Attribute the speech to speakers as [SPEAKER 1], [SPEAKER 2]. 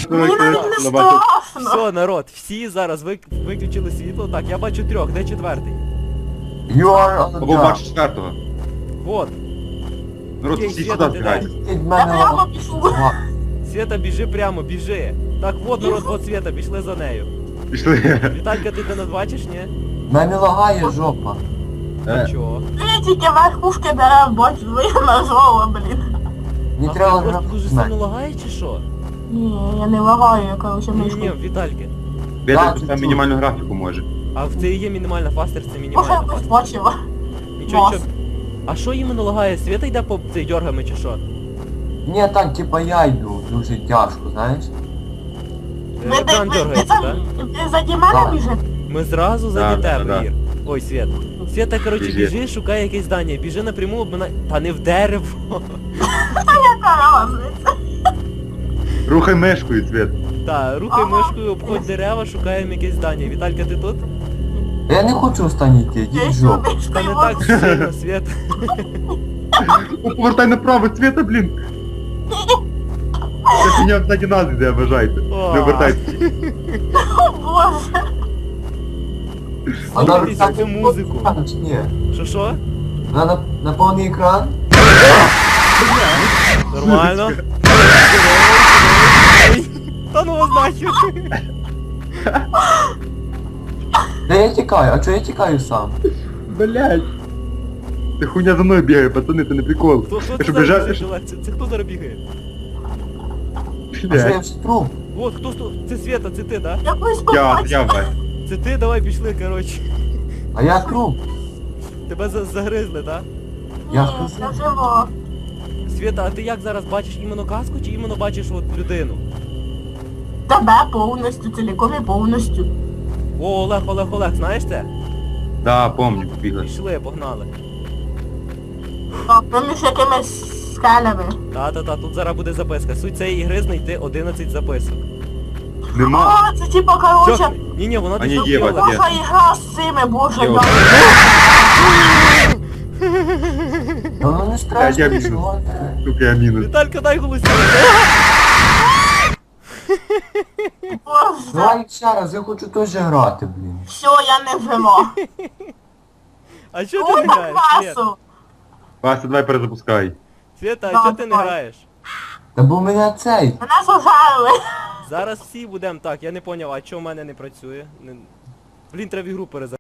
[SPEAKER 1] Мені навіть не страшно.
[SPEAKER 2] Все, народ, всі зараз виключили світло. Так, я бачу трьох, де четвертий?
[SPEAKER 3] You are on the
[SPEAKER 4] Або
[SPEAKER 3] job.
[SPEAKER 4] бачиш четвертого.
[SPEAKER 2] Вот.
[SPEAKER 4] Народ,
[SPEAKER 2] Окей,
[SPEAKER 4] всі
[SPEAKER 2] Света,
[SPEAKER 4] сюди
[SPEAKER 2] ти
[SPEAKER 4] збігайте.
[SPEAKER 3] Від
[SPEAKER 1] Я
[SPEAKER 3] мене
[SPEAKER 1] прямо пішло.
[SPEAKER 2] Света, біжи прямо, біжи. Так, вот, народ, вот Света, пішли за нею.
[SPEAKER 4] Пішли.
[SPEAKER 2] Віталька, ти нас бачиш, ні?
[SPEAKER 3] мене лагає жопа.
[SPEAKER 2] А чого?
[SPEAKER 1] Я тільки верхушки дерев бачу, я нажала, блін.
[SPEAKER 3] Не
[SPEAKER 2] А
[SPEAKER 3] треба
[SPEAKER 2] ти просто дуже
[SPEAKER 3] грати.
[SPEAKER 2] сильно лагає чи що?
[SPEAKER 1] Ні, я не лагаю, я, короче,
[SPEAKER 2] Ні,
[SPEAKER 1] мишку.
[SPEAKER 2] Вітальки.
[SPEAKER 4] Беда,
[SPEAKER 3] Так,
[SPEAKER 4] поставь
[SPEAKER 3] чуть-чуть.
[SPEAKER 4] мінімальну графіку може.
[SPEAKER 2] А в це і є мінімальна фастер, це
[SPEAKER 1] Може,
[SPEAKER 2] мінімальна
[SPEAKER 1] якось
[SPEAKER 2] фастер.
[SPEAKER 1] бачила.
[SPEAKER 2] Нічого,
[SPEAKER 1] Вас.
[SPEAKER 2] нічого. А що іменно лагає? Света йде по цей дьоргами чи що?
[SPEAKER 3] Ні, так, типа я йду, дуже тяжко, знаєш?
[SPEAKER 2] Екран дергається, так?
[SPEAKER 1] Ви заді мене
[SPEAKER 3] Так.
[SPEAKER 1] біжите?
[SPEAKER 2] Ми зразу за
[SPEAKER 4] Да,
[SPEAKER 2] тебе,
[SPEAKER 4] да.
[SPEAKER 2] Ір. Ой, Свет. Света, коротше,
[SPEAKER 4] Біжи.
[SPEAKER 2] біжи, шукай якесь здання. Біжи напряму, обминай. Та не в дерево.
[SPEAKER 1] Яка разниця?
[SPEAKER 4] Рухай мешкою, Свет.
[SPEAKER 2] Та, рухай
[SPEAKER 1] Ага.
[SPEAKER 2] мишкою, обходь дерева, шукаємо якесь здання. Віталька, ти тут?
[SPEAKER 3] Я не хочу останній йти,
[SPEAKER 1] Я
[SPEAKER 3] йдіть в жопу.
[SPEAKER 1] сюди
[SPEAKER 2] Та не
[SPEAKER 1] стою.
[SPEAKER 2] так сильно, Свет.
[SPEAKER 4] Ну, повертай направо, Света, блін. Це меня ззаді нас йде, вважайте.
[SPEAKER 2] О.
[SPEAKER 4] Не обертайтесь.
[SPEAKER 1] О, Боже.
[SPEAKER 2] Слухайте цю музику.
[SPEAKER 3] Чи ні?
[SPEAKER 2] Що?
[SPEAKER 3] На повний екран?
[SPEAKER 2] Нормально. Та ну вас нахер.
[SPEAKER 3] Та я тікаю, а чого я тікаю сам?
[SPEAKER 4] Блять. Ти хуйня за мною бігає, пацани, це не прикол.
[SPEAKER 2] Хто
[SPEAKER 4] Я
[SPEAKER 2] це
[SPEAKER 4] що,
[SPEAKER 2] зараз
[SPEAKER 4] біжав?
[SPEAKER 2] біжить? Це хто зараз бігає?
[SPEAKER 3] А що я
[SPEAKER 4] Блять.
[SPEAKER 3] вже труп?
[SPEAKER 2] От, хто? Це Света, це ти, да?
[SPEAKER 1] Якось
[SPEAKER 4] Я
[SPEAKER 1] побачила.
[SPEAKER 4] Вась.
[SPEAKER 2] Це ти, давай пішли, коротше.
[SPEAKER 3] А я труп.
[SPEAKER 2] Тебе загризли, да?
[SPEAKER 3] Я
[SPEAKER 1] Ні,
[SPEAKER 3] сказав.
[SPEAKER 1] це живо.
[SPEAKER 2] Света, а ти як зараз бачиш іменно казку чи іменно бачиш от людину?
[SPEAKER 1] Тебе повністю, ціліком і повністю.
[SPEAKER 2] О, Олег, знаєш це?
[SPEAKER 4] Да, помню, бігли.
[SPEAKER 2] Пішли, погнали.
[SPEAKER 1] Так, проміж якимись скелями.
[SPEAKER 2] Та, тут зараз буде записка. Суть цієї ігри знайти 11 записок.
[SPEAKER 4] Нема.
[SPEAKER 1] О, це типа, короче,
[SPEAKER 2] Ні, вона
[SPEAKER 4] А ні,
[SPEAKER 2] десь
[SPEAKER 4] є,
[SPEAKER 2] Олег.
[SPEAKER 4] от є.
[SPEAKER 1] ваша ігра з цими, боже,
[SPEAKER 4] Є,
[SPEAKER 1] я...
[SPEAKER 4] от.
[SPEAKER 3] Та воно не
[SPEAKER 4] Я
[SPEAKER 3] страшно,
[SPEAKER 4] мінус.
[SPEAKER 3] чого?
[SPEAKER 4] Сука, я мінус.
[SPEAKER 2] Віталька, дай голосніше.
[SPEAKER 1] Боже,
[SPEAKER 3] Давай ще раз, я хочу теж грати, блін.
[SPEAKER 1] все, я не жива.
[SPEAKER 2] А чого ти
[SPEAKER 1] О,
[SPEAKER 2] не граєш, Свет?
[SPEAKER 1] класу.
[SPEAKER 4] Вася, давай перезапускай.
[SPEAKER 2] Света, а
[SPEAKER 1] Да,
[SPEAKER 2] чого ти не
[SPEAKER 1] давай.
[SPEAKER 2] граєш?
[SPEAKER 3] Та бо мене цей.
[SPEAKER 1] Мене зажарили.
[SPEAKER 2] Зараз всі будемо так, я не поняв, а чого в мене не працює? Блін, треба ігру перезагрузити.